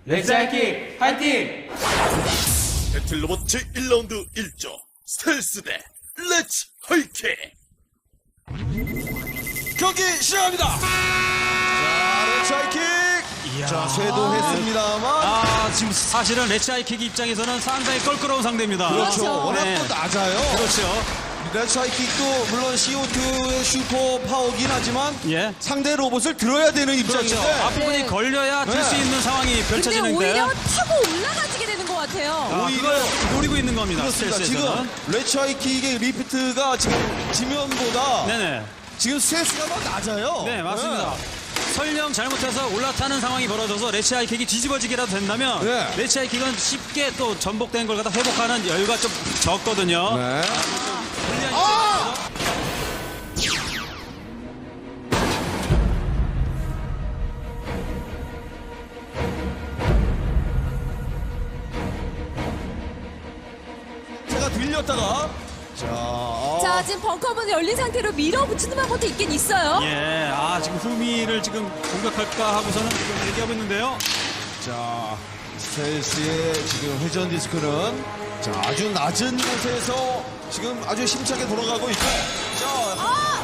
레츠하이킥 화이팅! 배틀로봇 제1라운드 1조 스텔스 대 레츠 하이킥 경기 시작합니다. 자, 레츠 하이킥. 자, 쇄도했습니다만. 지금 사실은 레츠 하이킥 입장에서는 상당히 껄끄러운 상대입니다. 그렇죠. 워낙 네. 또 낮아요. 그렇죠. 레츠 하이킥도 물론 CO2의 슈퍼 파워긴 하지만 예. 상대 로봇을 들어야 되는 그렇죠. 입장인데. 앞부분이 네. 걸려야 들 수 네. 있는 상황이 근데 펼쳐지는데 오히려 타고 올라가지게 되는 것 같아요. 그걸 노리고 있는 겁니다. 그렇습니다. 스텔스에서는. 지금 레츠 하이킥의 리프트가 지금 지면보다 네네. 지금 스트레스가 더 낮아요. 네, 맞습니다. 설령 잘못해서 올라타는 상황이 벌어져서 레츠 하이킥이 뒤집어지기라도 된다면 네. 레츠 하이킥은 쉽게 또 전복된 걸 갖다 회복하는 여유가 좀 적거든요. 네. 제가 들렸다가 자, 지금 벙커문이 열린 상태로 밀어붙이는 방법도 있긴 있어요. 예, 지금 후미를 지금 공격할까 하고서는 지금 얘기하고 있는데요. 자, 스텔스의 지금 회전 디스크는 자, 아주 낮은 곳에서 지금 아주 힘차게 돌아가고 있고. 자,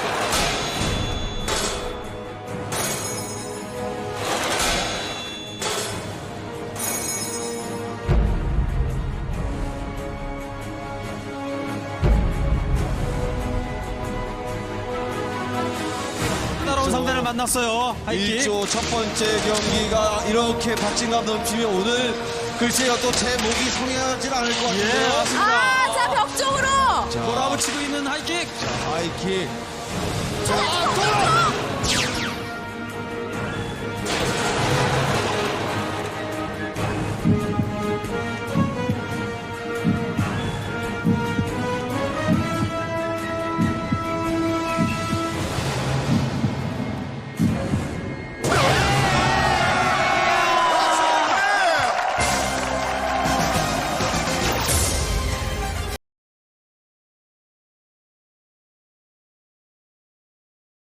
따라온 상대를 만났어요. 하이킥. 1조 첫 번째 경기가 이렇게 박진감 넘치면 오늘 글쎄요 또 제 목이 성행하진 않을 것 같은데요. 예, 맞습니다. 자, 벽 쪽으로. 자, 몰아붙이고 있는 하이킥. 하이킥. 자,